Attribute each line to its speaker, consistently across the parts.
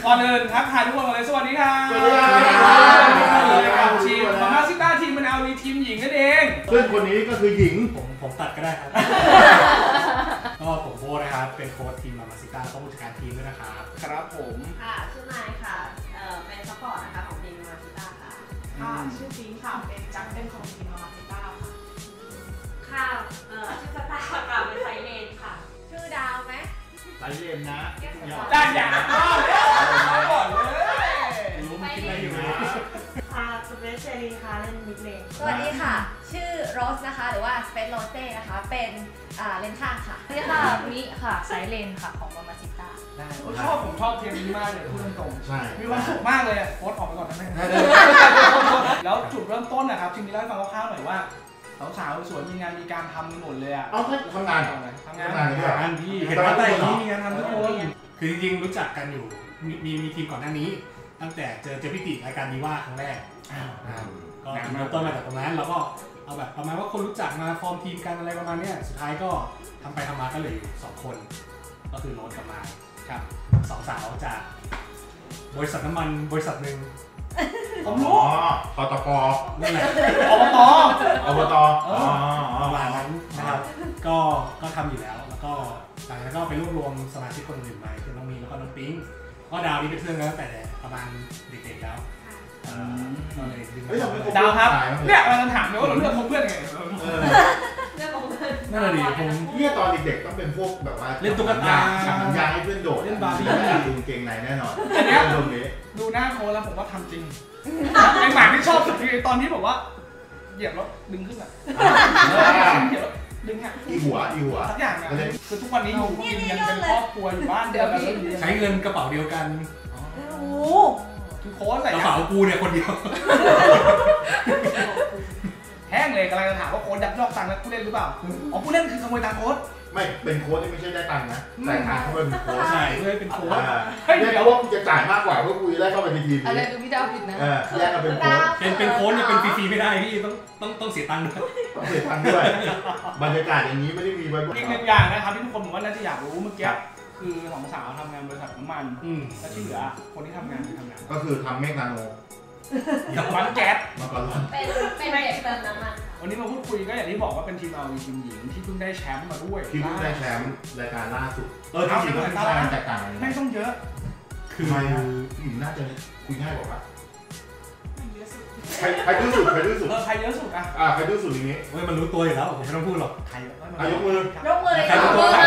Speaker 1: ก่อนอื่นทักทายทุกคนเลยสวัสดีครับ
Speaker 2: สวัสดีครับ
Speaker 1: ทีมมาม่าซิต้าทีมมันเอาทีมหญิงนั่นเอง
Speaker 2: ซึ่งคนนี้ก็คือหญิง
Speaker 3: ผมตัดก็ได้ครับก็ผมโบนะครับเป็นโค้ชทีมมาม่าซิต้าต้องผู้จัดการทีมด้วยนะครับ
Speaker 1: ครับผม
Speaker 4: ค่ะชื่อนายค่ะเป็นซัพพอร์ตนะคะของทีมมาม่าซิต้าค่ะ
Speaker 5: ชื่อฟิงค่ะเป็นจักเป็นของทีมมาม่าซิต้า
Speaker 4: ค่ะชื่อสตาร์ค่ะเป็นไซเลนค่ะชื่อดาวไหม
Speaker 2: ไซเลนนะ
Speaker 1: ได้อย่างก่อนเลย
Speaker 3: รู้มันคิดอะไรอยู่นะ
Speaker 5: ค่ะสเปซเชลีค่ะเล่นมิดเลน
Speaker 4: สวัสดีค่ะชื่อโรสนะคะหรือว่าสเปซโรเซ่นะคะเป็นเลนข้างค่ะ
Speaker 6: สวัสดีค่ะมิค่ะไซเลนค่ะของมาม่าซิต้า
Speaker 1: ได้ผมชอบเทีมนี้มากเลยพูดตรง
Speaker 2: ๆใช่
Speaker 1: มีความสุขมากเลยโค้ชออกไปก่อนนะแม่แล้วจุดเริ่มต้นนะครับทีมนี้เล่าให้ฟังคร่าวๆหน่อยว่าสาวๆสวยมีงานมีการทำกันหมดเลยอ่ะ
Speaker 2: เอาทำงาน
Speaker 3: พี่เห็นว่าแต่นี้มีงานทำทุกคนคือจริงๆรู้จักกันอยู่มีทีมก่อนหน้านี้ตั้งแต่เจอพี่ติรายการนี้ว่าครั้งแรกก็เริ่มต้นมาจากตรงนั้นเราก็เอาแบบประมาณว่าคนรู้จักมาฟอร์มทีมกันอะไรประมาณนี้สุดท้ายก็ทำไปทำมาก็เหลืออยู่2คนก็คือโรสกับมายครับ2 สาวจากบริษัทน้ำมันบริษัทหนึ่ง
Speaker 1: ผมรู้
Speaker 2: ปตป
Speaker 3: นั่นแหละ
Speaker 1: อบต
Speaker 3: ประมาณนั้นนะครับก็ทำอยู่แล้วแล้วก็หลังจากนั้นก็ไปรวบรวมสมาชิกคนอื่นมาคือน้องมีแล้วก็น้องปิ๊งก็ดาวนี่เป็นเพื่อนกันตั้งแต่ประมาณเด็กๆแล้ว
Speaker 1: ดาวครับเนี่ยเราถามเลยว่าเราเลือกเพื่อนไง
Speaker 3: นั่นแหละดิผม
Speaker 2: เนี่ยตอนเด็กๆต้องเป็นพวกแบบว่า
Speaker 3: เล่นตุ๊กตา
Speaker 2: สัญญาให้เพื่อนโดด
Speaker 3: เล่นบาร์บี้
Speaker 2: ดูเก่งในแน่นอน
Speaker 1: อันนี้ดูหน้าโค้ชแล้วผมว่าทำจริงไอ้หมาที่ชอบสุดคือตอนที่บอกว่าเหยียบแล้วดึงขึ้นอ่ะเหยียบดึงอ่ะ
Speaker 2: อีหัว
Speaker 1: ทุกอย่างอ่ะคือทุกวันนี้อยู่กินกันเป็นครอบครัวอยู่บ้านเดียวกัน
Speaker 3: ใช้เงินกระเป๋าเดียวกัน
Speaker 1: คือโค้ชใส่
Speaker 3: กระเป๋ากูเนี่ยคนเดียว
Speaker 1: แห้งเลยกำลังจะถามว่าโค้ชยักยอกตังค์แล้วผู้เล่นหรือเปล่าอ๋อผู้เล่นคือขโมยตังค์โค้ช
Speaker 2: ไม่เป็นโค้ชที่ไม่ใช่ได้ตังค์นะแต่งานเขาเป็นโค้ช
Speaker 3: ใช่เพื่อเป็นโค้ช
Speaker 2: เดี๋ยวว่ากูจะจ่ายมากกว่าเพื่อกูจะได้เข้าไปในทีม
Speaker 6: อะไรดูพี่ดาวผิดนะ
Speaker 2: แยกกันเป็นโค้ช
Speaker 3: เป็นโค้ชเนี่ยเป็นฟรีๆไม่ได้พี่ต้องเสียตังค์
Speaker 2: ต้องเสียตังค์ด้วยบรรยากาศอย่างนี้ไม่ได้มีไว้
Speaker 1: อีกหนึ่งอย่างนะครับที่ทุกคนผมว่าน่าจะอยากรู้เมื่อกี้คือ2 สาวทำงานบริษัทน้ำมันแล้วที่เหลือคนที่ทำงาน
Speaker 2: ก็คือทำเมฆนาโน
Speaker 1: ร้านแก๊ส
Speaker 2: มาก่อน
Speaker 4: เป็นเด็กเติมน้ำมัน
Speaker 1: วันนี้มาพูดคุยก็อย่างที่บอกว่าเป็นทีมเราทีมหญิงที่เพิ่งได้แชมป์มาด้วย
Speaker 2: ที่เพิ่งได้แชมป์รายการล่าสุดที่จริงก็เป็นการแตกต่าง
Speaker 1: ไม่ต้องเยอะ
Speaker 2: คือหญิงน่าจะคุยง่ายกว่าใครดื้อสุดใครเยอะสุด
Speaker 1: อ่ะ
Speaker 2: ใครดื้อสุดอย่างนี้
Speaker 3: เฮ้ยมันรู้ตัวอยู่แล้วผมไม่ต้องพูดหรอก
Speaker 1: ใคร
Speaker 2: ยกมือ
Speaker 4: เลย
Speaker 3: ใครรู้ตัวใคร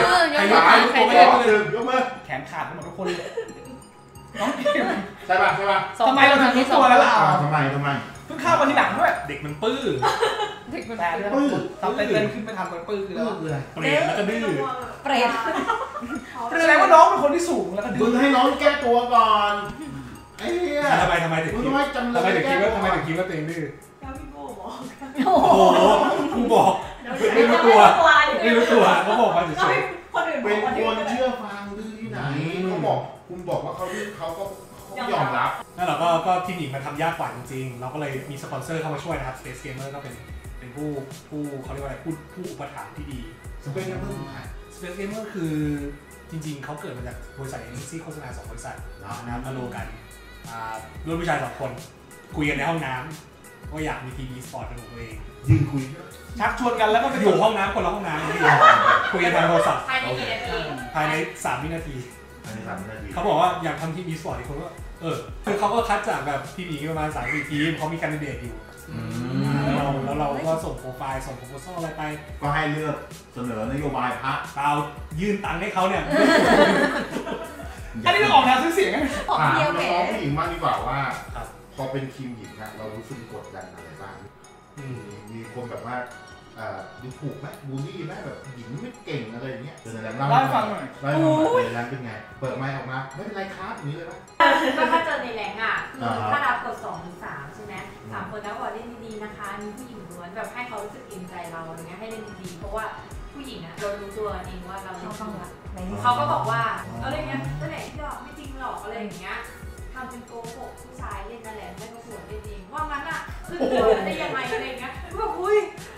Speaker 2: ยกมือ
Speaker 1: แขนขาดหมดทุกคนเลยน้อง
Speaker 2: ใช่ป่ะ
Speaker 1: ทำไมเราถึงรู้ตัวแล้วล่ะ
Speaker 2: ทำไม
Speaker 1: เพิ่งเข้ามาทีหลังด้วย
Speaker 3: เด็กมันปื้อ
Speaker 1: แต่ปื้อทำเต้นขึ้นไปทำปื้อคือแล้ว
Speaker 3: เปรตแล้วก็ดื้อ
Speaker 4: เปรต
Speaker 1: แสดงว่าน้องเป็นคนที่สูงแล้วก็ดื้อ
Speaker 2: ให้น้องแก้ตัวก่อนไอ้
Speaker 3: เนี่ยทำไมถึงคิดว่าตัวเองดื้อ
Speaker 5: พี่โบบอก
Speaker 3: โอ้โหกูบอกไม่รู้ตัวเขาบอกมาเฉย
Speaker 2: ๆเป็นคนเชื่อฟังดื้อที่ไหนเขาบอกคุณบอกว่าเขาดื้อเขาก็ยอมรับ
Speaker 3: นั่นแหละก็ทีมหญิงมันทำยากกว่าจริงๆเราก็เลยมีสปอนเซอร์เข้ามาช่วยนะครับ Space Gamer ก็เป็นผู้เขาเรียกว่าอะไรผู้อุปถัมภ์ที่ดี Space Gamer คือจริงๆเขาเกิดมาจากบริษัทเอเจนซี่โฆษณา2 บริษัทนะครับมาโลกันร่วมผู้ชาย2 คนคุยกันในห้องน้ำว่าอยากมีทีวีสปอร์ตเป็นของตัวเอง
Speaker 2: ยืนคุย
Speaker 1: ชักชวนกันแล้วก็ไป
Speaker 3: อยู่ห้องน้ำคนละห้องน้ำคุยกันทางโทรศัพท์ภายใน3 วินาทีเขาบอกว่าอยากทำทีวีสปอร์ตอีกคนก็คือเขาก็คัดจากแบบทีวีประมาณ3-4 ทีมเขามีแคนดิเดตอยู่แล้วเราก็ส่งโปรไฟล์ส่งโปรโพสอะไรไป
Speaker 2: ก็ให้เลือกเสนอนโยบายพรรค
Speaker 3: เรายื่นตังค์ให้เขาเนี่ย
Speaker 1: อันนี้ก็ออกแนวซื้อเสียงไง
Speaker 2: ถามน้องผู้หญิงมากดีกว่าว่าพอเป็นทีมหญิงนะเรารู้สึกกดดันอะไรบ้างมีคนแบบว่าดูถูกไหมบูลลี่ไหมแบบหญิงไม่เก่งอะไรอย่างเงี้ย
Speaker 1: เล่าให้ฟังหน่อย
Speaker 2: แรงเป็นไงเปิดไมค์ออกมาไม่เป็นไรครับอย่างนี้เลยไหม
Speaker 4: ก็ถ้าเจอในแรงอ่ะถ้ารับกด2 หรือ 3ใช่ไหม3 คนแล้วบอกเล่นดีๆนะคะมีผู้หญิงล้วนแบบให้เขารู้สึกอินใจเราอะไรเงี้ยให้เล่นดีๆเพราะว่าผู้หญิงอ่ะเรารู้ตัวเองว่าเราชอบเขาก็บอกว่าอะไรเงี้ยตัวไหนที่หลอกไม่จริงหรอกอะไรอย่างเงี้ยทำเป็นโกหกผู้ชายเล่นนั่นแหละไม่ประกวดเล่นเองว่างั้นอ่ะขึ้นเรือได้ยังไงอะไรเงี้ยแบบอุ้ย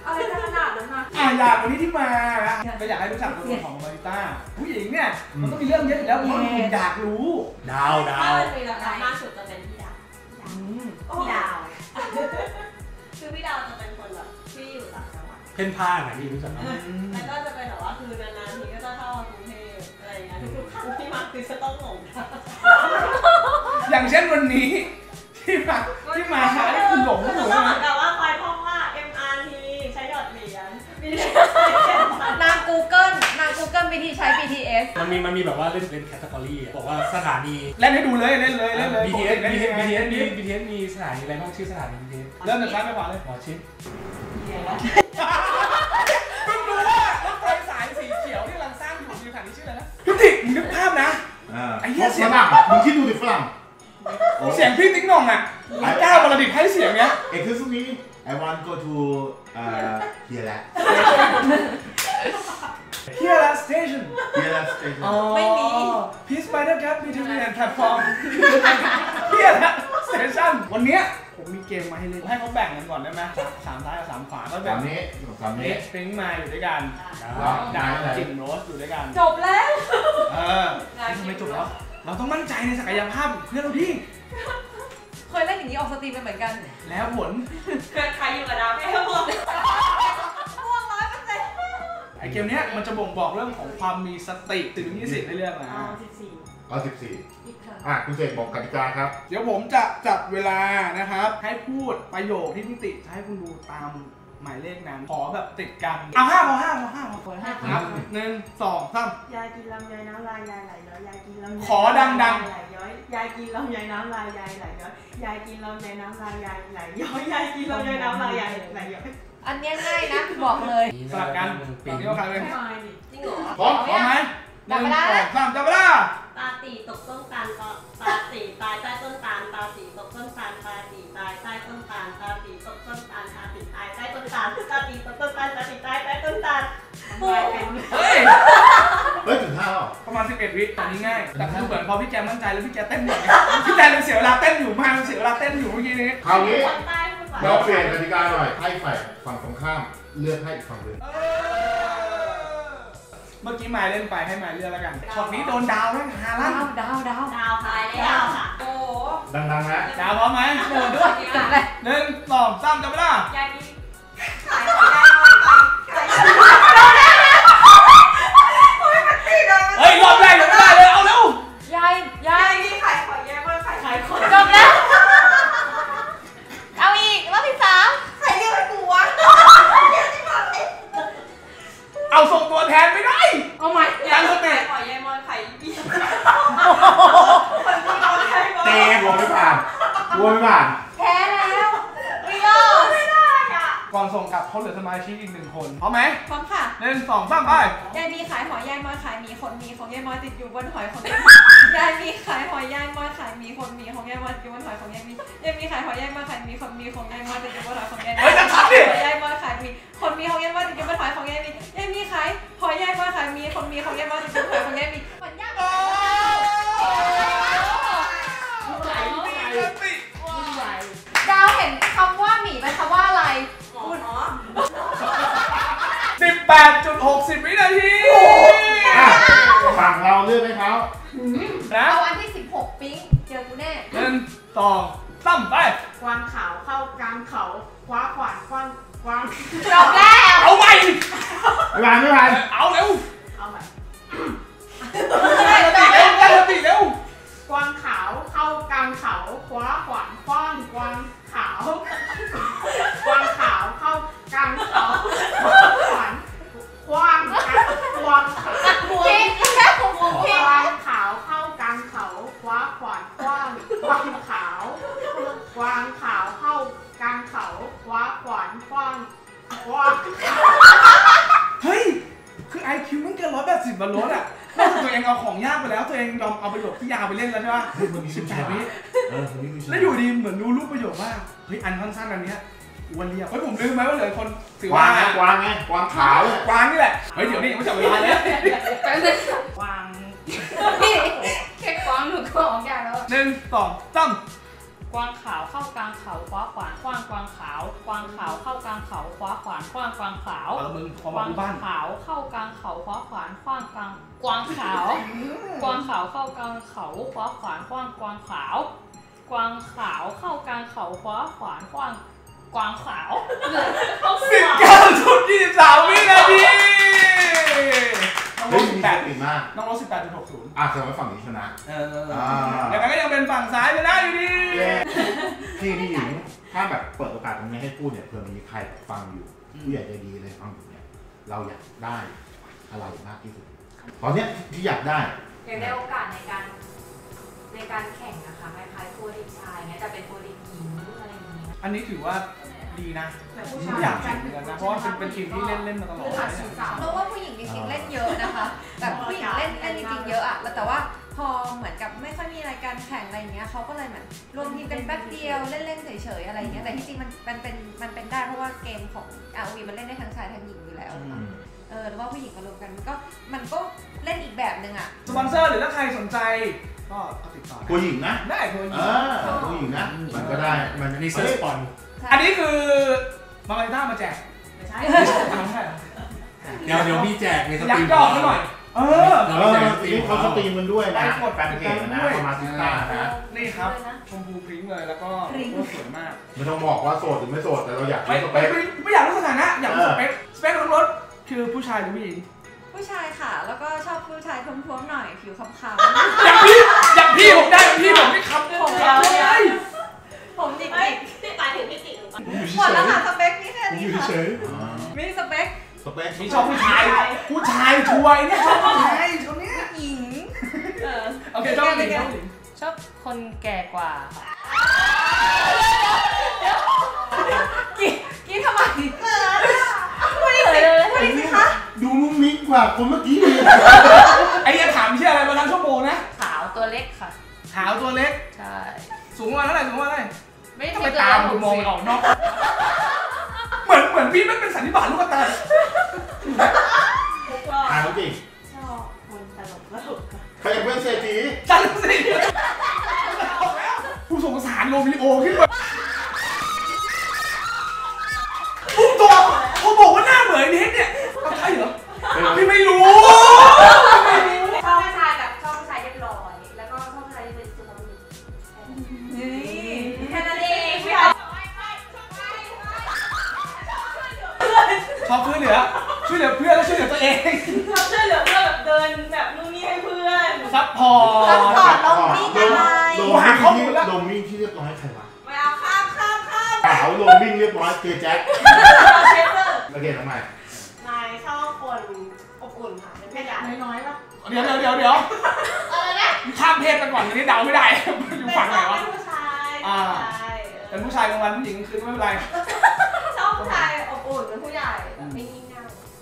Speaker 4: อะไรจะขนาดนั้นนะ
Speaker 1: อยากวันนี้ที่มานะก็อยากให้รู้จักตัวตนของมาริต้าผู้หญิงเนี่ยมันต้องมีเรื่องเยอะอยู่แล้วผมอยากรู้
Speaker 3: ดาว
Speaker 4: ถ้ามันมีราคามากสุดจะเป็นพี่ดาวพี่ดาวคือพี่ดาวจะเป็นคนแบบที่อยู่ต่างจังหวัด
Speaker 3: เพ่นพ่านไหนพี่รู้จักไหม
Speaker 4: แล้วก็จะเป็นแบบว่าคือนานๆทีก็จะเข้ากรุงเทพอะไรอย่างเงี้ยทุกๆครั้งที่มาคือจะต้องหลง
Speaker 1: อย่างเช่นวันนี้ที่มาช้านี่คือหลง
Speaker 4: ก็
Speaker 1: หนู
Speaker 4: เหมื
Speaker 1: นะ
Speaker 4: อนกับว่าคอยท่องว่า MRT ใช้หยอดเหรียญนาง Google วิธีใช้ BTS
Speaker 3: มันมีแบบว่าเล่นแคตตาล็อกบอกว่าสถานี
Speaker 1: เล่นให้ดูเลยเล่นเลย
Speaker 3: BTS มีสถานีอะไรบ้างชื่อสถานี BTS
Speaker 1: เริ่มจากซ้ายไปขวาเลย
Speaker 3: หมอชิด
Speaker 1: เพิ่งรู้ว่ารถไฟสายสีเขียวที่กำลังสร้างอยู่ในสถานีชื่ออะไรนะพี่ติ๊กมึงนึกภาพนะไอ้เหี้ยเสียง
Speaker 2: ฝรั่งมึงคิดดูดิฝรั่ง
Speaker 1: เสียงพี่ติ๊กน่องอ่ะรักเจ้าบรดิตให้เสียงเนี้ย
Speaker 2: Excuse me I want go to here แหละ
Speaker 1: Here at station
Speaker 2: here แหละ station
Speaker 4: ไม่มี
Speaker 1: Please by the gap between and platform Here at station วันเนี้ยผมมีเกมมาให้เล่นให้เขาแบ่งกันก่อนได้ไหมสามซ้ายกับ3ขวาก็แบ่
Speaker 2: สาง มนี้สามนี้
Speaker 1: ฟริ้งมาอยู่ด้วยกัน
Speaker 2: ว้าว
Speaker 1: ดาวกลิ่นโรสอยู่ด้วยกัน
Speaker 4: จบแล้ว
Speaker 1: ทำไมจบแล้ว เราต้องมั่นใจในศักยภาพเพื่อนเราดิ
Speaker 4: เคยเล่นอย่างนี้ออกสตรีมไปเหมือนกัน
Speaker 1: แล้วผล
Speaker 4: ใครอยู่กับดาวแค่พวก100%
Speaker 1: ไอเกมเนี้ยมันจะบ่งบอกเรื่องของความมีสติถึง20ในเรื่องนะ
Speaker 2: เอา14คุณเสกบอกกติกาครับ
Speaker 1: เดี๋ยวผมจะจับเวลานะครับ ให้พูดประโยคที่พี่ติจะให้คุณดูตามหมายเลขนั้นขอแบบติดกันเอา5พอครับ1 2 3
Speaker 5: ยายกินลำไยน้ำลายยายไหลย้อยยายกินลำไย
Speaker 1: ขอดังๆ
Speaker 5: ไหลย้อยยายกินลำไยน้ำลายยายไหลย้อยยายกินลำไยน้ำลายยายไหลย้อยยายกินลำไยน้ำลายยายไหลย้อย
Speaker 4: อันเนี้ยง่ายนะบอกเลย
Speaker 1: สลับกันตอนนี้ว่าใครเป็น
Speaker 4: จริงเหรอ
Speaker 2: พร้อม
Speaker 1: พร้อมไหม1 2 3จับเวลา
Speaker 7: ตาตีตกต้นตาลตาตีตายใต้ต้นตาลตาตีตกต้นตาลตาตีตายใต้ต้นตาลตาตีตกต้นตาลตาตีตายใต้ต้นตาลตาตีตกต้นตาลตาตีตายใต้ต้นตาล
Speaker 1: เฮ้ย
Speaker 2: ถึง5แล้ว
Speaker 1: ประมาณ11 วิตอนนี้ง่ายแต่คือเหมือนพอพี่แกมั่นใจแล้วพี่แกเต้นอยู่พี่แกเลยเสียเวลาเต้นอยู่มากเสียเวลาเต้นอยู่เมื่อกี้นี้
Speaker 2: คราวนี้
Speaker 7: คนใต้พูดว่า
Speaker 2: เราเปลี่ยนกติกาหน่อยให้ฝ่ายฝั่งตรงข้ามเลือกให้อีกฝั่งหนึ่ง
Speaker 1: เมื่อกี้มายเล่นไปให้มายเลือกแล้วกันช็อตนี้โดนดาวแล้วฮาลั่น
Speaker 4: ดาว
Speaker 7: ดาวตายแล้วค่ะ
Speaker 4: โอ้
Speaker 2: ดังๆนะ
Speaker 1: ดาวพร้อมไหม
Speaker 4: โหด้วยจบเลย
Speaker 1: 1 2 3จับเวลาย
Speaker 7: ายกินขายของยายน้อยไปขาย
Speaker 1: เฮ้ยรอบแรกยังไม่ได้เลยเอาเร็วย
Speaker 4: าย
Speaker 7: กินขายของยายมันขายของ
Speaker 4: จบแล้ว เอาอีกรอบที่ 3
Speaker 7: ใครเรียกให้กูวะ
Speaker 1: เอาส่งตัวแทนไม่ได้
Speaker 4: เอาใหม่
Speaker 1: ตั้งสติ
Speaker 7: ขายของยายมันขายอีคนที่โดนใครมา
Speaker 2: เตะหัวไม่ผ่าน
Speaker 4: แพ้แล้วไม่รอด
Speaker 7: ไม่ได้อ่ะ
Speaker 1: ก่อนส่งกลับเขาเหลือสมาชิกอีก1 คนพร้อมไหม
Speaker 4: พร้อมค่ะ
Speaker 1: 1 2 3ไป
Speaker 4: ยายมีขายหอยยายมอยขายหมีคนมีของยายมอยติดอยู่บนหอยของยายยายมีขายหอยยายมอยขายหมีคนมีของยายมอยติดอยู่บนหอยของยายมียายมีขายหอยยายมอยขายหมีคนมีของยายมอยติดอยู่บนหอยของยายมี
Speaker 1: เฮ้ยจะทันดิ
Speaker 4: ยายมอยขายหมีคนมีของยายมอยติดอยู่บนหอยของยายมียายมีขายหอยยายมอยขายหมีคนมีของยายมอยติดอยู่บนหอยของยายมีมันยากมากดาวเห็นคำว่าหมีเป็นคำว่าอะไร
Speaker 1: 18.60 วินาที
Speaker 2: ฝั่งเราเลือกให้เขา
Speaker 1: นะ
Speaker 4: เอาอันที่ 16 ปิ๊งเจอกูแน่
Speaker 1: 1 2 3ไป
Speaker 5: กวางขาวเข้ากลางเขาคว้าขวานกวาง
Speaker 4: จบแล้ว
Speaker 1: เอาไป
Speaker 2: ไม่ผ่าน
Speaker 1: เอาเร็ว
Speaker 5: เอาใหม่
Speaker 1: ตั้งสติเร็ว
Speaker 5: กวางขาวเข้ากลางเขาคว้าขวานกว้างกวางขาวกวางขาวเข้ากลางเขาคว้าขวานกว้างกวางขาว
Speaker 4: พี่แค่ผมพี่
Speaker 5: กวางขาวเข้ากลางเขาคว้าขวานกว้างกวางขาวกวางขาวเข้ากลางเขาคว้าขวานกว้างกวาง
Speaker 1: เฮ้ย คือ IQ มันเกิน180บนรถอ่ะนอกจากตัวเองเอาของยากไปแล้วตัวเองยอมเอาประโยคที่ยาวไปเล่นแล้วใช่ปะ 18 วิ แล้วอยู่ดีเหมือนรู้รูปประโยคว่าเฮ้ยอันสั้นๆอันเนี้ยวันเรียบเฮ้ยผมลืมไหมว่าเหลือคนถือก
Speaker 2: วา
Speaker 1: ว่าง
Speaker 2: ไงกวางขาว
Speaker 1: กวางนี่แหละเฮ้ยเดี๋ยวนี้ยังไม่จับเวลาเลย
Speaker 5: กวาง
Speaker 4: พี่แค่กวางหนูก็ออกยากแล้ว
Speaker 1: 1 2 3
Speaker 6: กวางขาวเข้ากลางเขาคว้าขวานคว้างกวางขาวกวางขาวเข้ากลางเขาคว้าขวานคว้างกวางขาว
Speaker 1: มึงพอก
Speaker 6: วาง
Speaker 1: บ้าน
Speaker 6: ขาวเข้ากลางเขาคว้าขวานคว้างกลางกวางขาวกวางขาวเข้ากลางเขาคว้าขวานคว้างกวางขาวกวางขาวเข้ากลางเขาคว้าขวานคว้างกวางขาว
Speaker 1: 19.23 วินาทีน้องรถ
Speaker 2: 18อีกมาก
Speaker 1: น้องรถ 18.60
Speaker 2: แสดงว่าฝั่งนี้ชนะ
Speaker 1: แต่มันก็ยังเป็นฝั่งซ้ายไปได้อยู่ดี
Speaker 2: พี่หญิงถ้าแบบเปิดโอกาสตรงนี้ให้พูดเนี่ยเผื่อมีใครฟังอยู่ผู้ใหญ่ใจดีเลยฟังอยู่เนี่ยเราอยากได้อะไรมากที่สุดตอนเนี้ยที่อยากได้
Speaker 4: โอกาสในการแข่งนะคะคล้ายๆโปรลีกชายเนี่ยจะเป็นโปรลีกหญิงอะไรอย่างนี้
Speaker 1: อันนี้ถือว่าดีนะไม่อยากแข่งเหมือนกันนะเพราะว่าเป็นทีมที่เล่นมาตลอด
Speaker 8: เพราะว่าผู้หญิงจริงๆเล่นเยอะนะคะแบบผู้หญิงเล่นจริงๆเยอะอะแต่ว่าพอเหมือนกับไม่ค่อยมีรายการแข่งอะไรอย่างเงี้ยเขาก็เลยเหมือนรวมทีมกันแป๊บเดียวเล่นๆเฉยๆอะไรอย่างเงี้ยแต่ที่จริงมันเป็นได้เพราะว่าเกมของ ROV มันเล่นได้ทั้งชายทั้งหญิงอยู่แล้วหรือว่าผู้หญิงมารวมกันมันก็เล่นอีกแบบนึงอะ
Speaker 1: สปอนเซอร์หรือถ้าใครสนใจก็ติดต่อ
Speaker 2: ผู้หญิงนะ
Speaker 1: ได้ผู้หญิง
Speaker 2: มันก็ได้มัน
Speaker 3: นี่เซิร์ชสปอน
Speaker 1: อันนี้คือมาริต้ามาแจก
Speaker 4: ไม่ใช่
Speaker 3: เดี๋ยวพี่แจกในสตรีม
Speaker 1: ย่อให้หน่อย
Speaker 2: นี่เขาสตรีมมันด้วยนะแฟนเพจนะประมาณ10 ตานะ
Speaker 1: นี่ครับชมพูพริ้งเลยแล้วก็สวยมาก
Speaker 2: ไม่ต้องบอกว่าโสดหรือไม่โสดแต่เราอยาก
Speaker 1: ไม่อยากรู้สถานะอยากรู้สเปคของรถคือผู้ชายหรือผู้หญิง
Speaker 8: ผู้ชายค่ะแล้วก็ชอบผู้ชายท้วมๆหน่อยผิวคล้ำ
Speaker 1: ๆอย่างพี่ผมได้พี่ผมไม่คำผมเลย
Speaker 8: ผมหยิก
Speaker 7: หมายถึงพี่ติ๋ง
Speaker 8: หมดแล้วค่ะสเปคนี่แค่นี้ค่ะมีสเปค
Speaker 1: มีชอบผู้ชายช่วยเนี่ยชอบผู้ชายคนนี้
Speaker 8: หญิง
Speaker 1: โอเคชอบหญิง
Speaker 6: ชอบคนแก่กว่า
Speaker 8: กี่ทำไมพูดดิสิคะ
Speaker 2: ดูมุ้งมิ้งกว่าคนเมื่อกี้เลย
Speaker 1: ไอ้ยังถามชื่ออะไรมาทั้งชั่วโมงนะ
Speaker 6: ขาวตัวเล็กค่ะ
Speaker 1: ขาวตัวเล็ก
Speaker 6: ใช่
Speaker 1: สูงประมาณเท่าไหร่
Speaker 6: ไม่
Speaker 1: ต้องไปตามดูมองออกนอกเหมือนพี่ไม่เป็นสันนิบาตลูกตา
Speaker 2: เขาจริง
Speaker 7: ชอบคนตลก
Speaker 2: ใครอยากเป็นเศรษฐี
Speaker 1: จันสิผู้สงสารโรมิโอขึ้นมาตัวเขาบอกว่าหน้าเหมือนนิดเนี่ยใช่เหรอพี่ไม่รู้
Speaker 4: ชอบผู้ชายแบบชอบผู้ชายเรียบร้อยแล้วก็ชอบผู้ชายที่เป็นสุภาพบุรุษแค่นั้นเอง
Speaker 1: ชอบช่วยเหลือเพื่อนแล้วช่วยเหลือตัวเอง
Speaker 7: ชอบช่วยเหลือเพื่อนแบบเดินแบบนู่นนี่ให้เพื่อน
Speaker 1: ซัพพอร์ต
Speaker 8: ลงวิ่งอะไร
Speaker 2: ลงวิ่งที่เรียบร้อยใครวะ
Speaker 7: ไม่เอาข้าม
Speaker 2: ขาวลงวิ่งเรียบร้อยเจแจ็คโอเคทำไม
Speaker 7: นายชอบคนอบอุ่นค่ะเป็นผู้ใหญ่
Speaker 4: น้อยๆป่ะ
Speaker 1: เดี๋ยวอะไรนะข้ามเพศไปก่อนอันนี้เดาไม่ได้อยู่ฝั่งไหนวะ
Speaker 7: เป็นผู้ชาย
Speaker 1: เป็นผู้ชายกลางวันผู้หญิงกลางคืนไม่เป็นไร
Speaker 7: ชอบผู้ชายอบอุ่นเป็นผู้ใหญ่ไม่งี่เง่า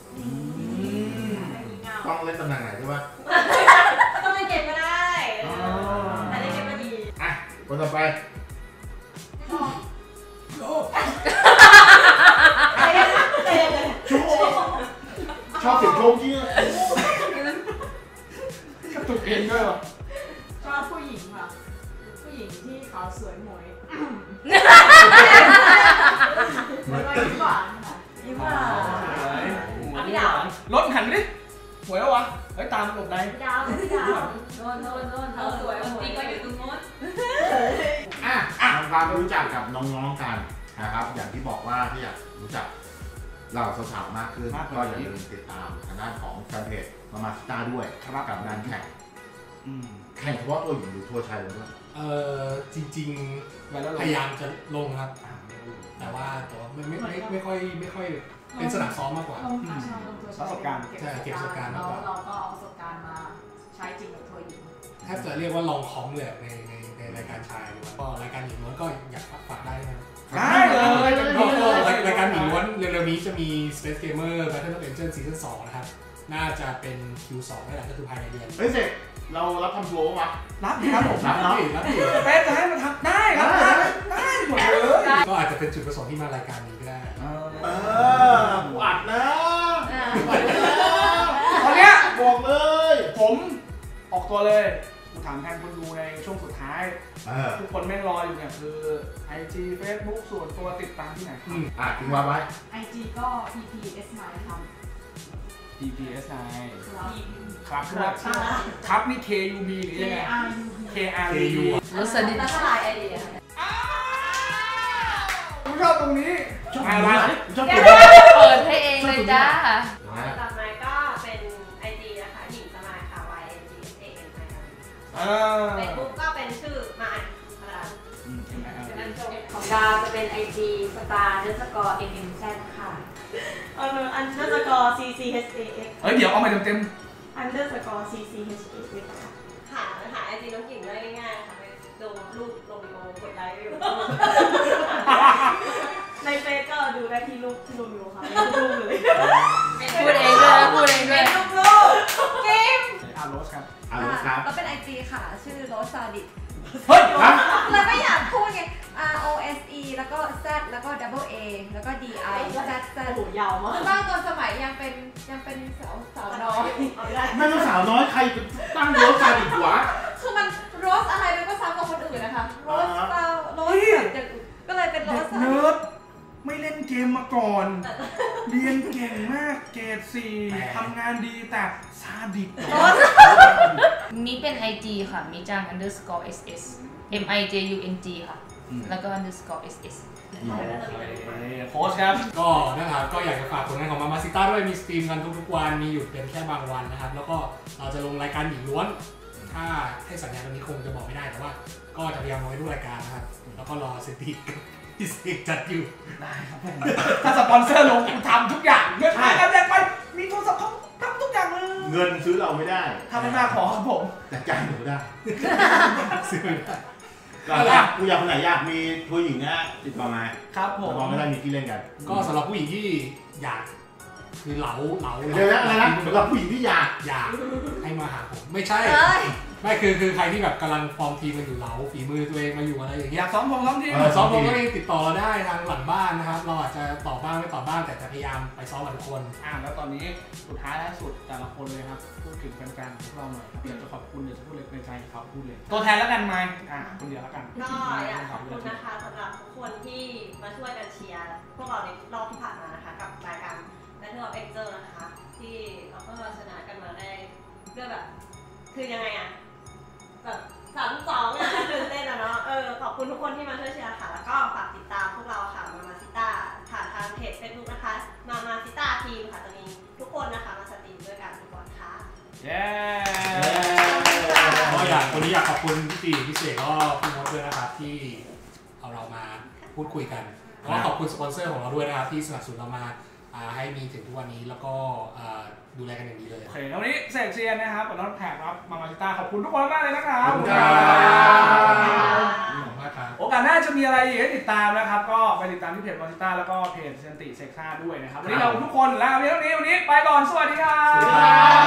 Speaker 2: ต้องเล่นตำแหน่งไหนใช่ปะ
Speaker 7: ต้องเล่นเกมก็ได้แต่เล่นเกมก็ดี
Speaker 2: คนต่อไปชอบเสียงโชว์กี้
Speaker 1: กระตุกเองด้วยวะ
Speaker 5: ชอบผู้หญิงค่ะผู้หญิงที่ขาวสวยหมวยยิ้มหวานค่ะ
Speaker 8: ยิ้มหวาน
Speaker 4: พี่ดาว
Speaker 1: รถหันดิหวยแล้ววะเฮ้ยตามหลบใน
Speaker 4: พี่ดาวโดนเขาสวยจริงก็อยู่ตรงโน้น
Speaker 2: ทำความรู้จักกับน้องๆกันนะครับอย่างที่บอกว่าที่อยากรู้จักเราสาวๆมากขึ้นก็อย่าลืมติดตามทางด้านของแฟนเพจมามาสตาร์ด้วยกับงานแข่งเฉพาะตัวหญิงหรือตัวชายเลยด้วย
Speaker 3: จริงๆพยายามจะลงครับแต่ว่าไม่ค่อยเป็นสนามซ้อมมากกว่า
Speaker 1: ประสบการณ์
Speaker 3: ใช่เก็บประสบการณ์มากกว่า
Speaker 4: เราก็เอาประสบการณ์มาใช้จริงกับตัวหญิง
Speaker 3: แทบจะเรียกว่าลองคอมเลยในรายการชายก็รายการหญิงล้วนก็อยากฝากได้นะ
Speaker 1: ได้เลย
Speaker 3: รายการหญิงล้วนเร็วๆนี้จะมี Space Gamer Battle of Angels Season 2นะครับน่าจะเป็น Q2 นี่แหละก็คือภายในเดือน
Speaker 2: เฮ้ยเสร็จเรารับทำทัวร์ป่ะ
Speaker 1: รับดิครับผม
Speaker 2: รับเนาะ
Speaker 1: เป๊ะจะให้มันทำได้ครับได้หมดเลย
Speaker 3: ก็อาจจะเป็นจุดประสงค์ที่มารายการนี้ก็ได้
Speaker 2: กูอัดนะ
Speaker 1: ตอนเนี้ย
Speaker 2: บอกเลย
Speaker 1: ผมออกตัวเลยกูถามแทนคนดูในช่วงสุดท้ายทุกคนแม่งรออยู่เนี่ยคือ IG Facebook ส่วนตัวติดตามที่ไหนครับ
Speaker 2: ทิ้งว่าไว้
Speaker 5: IG ก็ PPS9 ครับ
Speaker 1: PPS9
Speaker 5: ครับ
Speaker 1: ครับนี่ KUB หรือยังไง KRU
Speaker 6: รสนิท
Speaker 4: แล้วก็ไลน์ไอเดีย
Speaker 1: ผมชอบตรงนี้ชอบอะไรชอบ
Speaker 6: เปิดให้เองเลยจ้า
Speaker 7: ต่อมาก็เป็น IG นะคะหญิงสมายค่ะ YNGSAN นะคะเฟซบุ๊กก็เป็นชื่อมายค่ะ
Speaker 4: ของดาวจะเป็น IG star_mmz ค่ะ
Speaker 7: _CCHAX
Speaker 1: เฮ้ยเดี๋ยวเอามาเต็ม
Speaker 7: _CCHAX ค่ะหา IG น้องกิ่งได้ง่ายๆค่ะไปดูรูปลงวิดีโอกดไลค์วิวในเฟซก็ดูได้ที่รูปที่ลงวิวค่ะรูปเลย
Speaker 6: พูดเองด้วยนะพูดเองด้วย
Speaker 7: รูปเกม
Speaker 1: โรสครับ
Speaker 8: ก็เป็น IG ค่ะชื่อโรสซาดิ
Speaker 1: เฮ้ยครับ
Speaker 8: เราไม่อยากพูดไง ROSE แล้วก็ Z แล้วก็ double A แล้วก็ DI Z Z
Speaker 7: โอ้โหยาวมาก
Speaker 8: บ้างตอนสมัยยังเป็นสาวน้อย
Speaker 2: ไม่ต้องสาวน้อยใครตั้งโรสซาดิสวะ
Speaker 8: คือมันโรสอะไรมันก็ซ้ำกับคนอื่นนะคะโรสแบบอย่างอื่นก็เลยเป็นโร
Speaker 1: เด็
Speaker 8: ส
Speaker 1: กเนิร์ดไม่เล่นเกมมาก่อน เรียนเก่งมากเกรด4ทำงานดีแต่ซาดิส
Speaker 6: มีเป็น IG ค่ะ มีจัง _SS MIJUNG ค่ะ แล้วก็ _SS
Speaker 1: โค้ชครับ
Speaker 3: ก็นะครับก็อยากจะฝากผลงานของมาซิต้าด้วยมีสตรีมกันทุกๆวันมีหยุดเป็นแค่บางวันนะครับแล้วก็เราจะลงรายการหญิงล้วนถ้าให้สัญญาตรงนี้คงจะบอกไม่ได้แต่ว่าก็จะพยายามลงให้ทุกรายการนะครับแล้วก็รอสติกที่เสกจัดอยู่
Speaker 1: ได้ครับผมถ้าสปอนเซอร์ลงกูทำทุกอย่างเงินไปกันแดงไปมีโทรศัพท์เขาทำทุกอย่างเลย
Speaker 2: เงินซื้อเราไม่ได้
Speaker 1: ทำไม่มากขอครับผม
Speaker 2: แต่ใจหนูได้
Speaker 3: ซื้อไม่ได้
Speaker 2: ก็กูอยากคนไหนอยากมีผู้หญิงนะติดต่อมา
Speaker 1: ครับผม
Speaker 2: เราไม่ได้มีที่เล่นกัน
Speaker 3: ก็สำหรับผู้หญิงที่อยากคือเหลา
Speaker 2: เดี๋ยวนะอะไรนะสำหรับผู้หญิงที่อยาก
Speaker 3: ให้มาหาผมไม่ใช่ไม่คือใครที่แบบกำลังฟอร์มทีมกันอยู่เหลาฝีมือตัวเองมาอยู่อะไรอย่าง
Speaker 1: อ
Speaker 3: เงี้ย
Speaker 1: ยากซ้อมทีม
Speaker 3: ซ้อมผมก็ติดต่อเราได้ทางหลังบ้านนะครับเราอาจจะตอบบ้างไม่ตอบบ้างแต่จะพยายามไปซ้อมกับทุกคน
Speaker 1: แล้วตอนนี้สุดท้ายและสุดแต่ละคนเลยครับพูดถึงแฟนๆพวกเราหน่อยครับอยากจะขอบคุณอยากจะพูดเลยในใจเขาพูดเลยตัวแทนแล้วกันไหมคนเดียวแล้วกัน
Speaker 7: ก็อยากขอบคุณนะคะสำหรับทุกคนที่มาช่วยกันเชียร์พวกเราในรอบที่ผ่านมานะคะกับรายการBattle of Angels นะคะที่เราก็ชนะกันมาได้ด้วยแบบคือยังไงอะแบบ3-2อะตื่นเต้นอะเนาะขอบคุณทุกคนที่มาช่วยเชียร์ค่ะแล้วก็ฝากติดตามพวกเราค่ะมาซิต้าผ่านทางเพจ Facebook นะคะมาซิต้าทีมค่ะจะมีทุกคนนะคะมาสตรีมด้วยกันทุกวันค่ะ
Speaker 1: เย้
Speaker 3: ก็วันนี้อยากขอบคุณพี่ตีพี่เสกก็พี่มดด้วยนะครับที่เอาเรามาพูดคุยกันแล้วก็ขอบคุณสปอนเซอร์ของเราด้วยนะครับที่สนับสนุนเรามาให้มีถึงทุกวันนี้แล้วก็ดูแลกันอย่างดีเลย
Speaker 1: โอเควันนี้เสกเซียนนะครับกับน้องแขกครับมาซิต้าขอบคุณทุกคนมากเลยนะครับโอกาสหน้าจะมีอะไรอีกให้ติดตามนะครับก็ไปติดตามที่เพจมาซิต้าแล้วก็เพจเซนติเซ็กซ่าด้วยนะครับวันนี้เราทุกคนลาไปเท่านี้วันนี้ไปก่อนสวัสดีครับ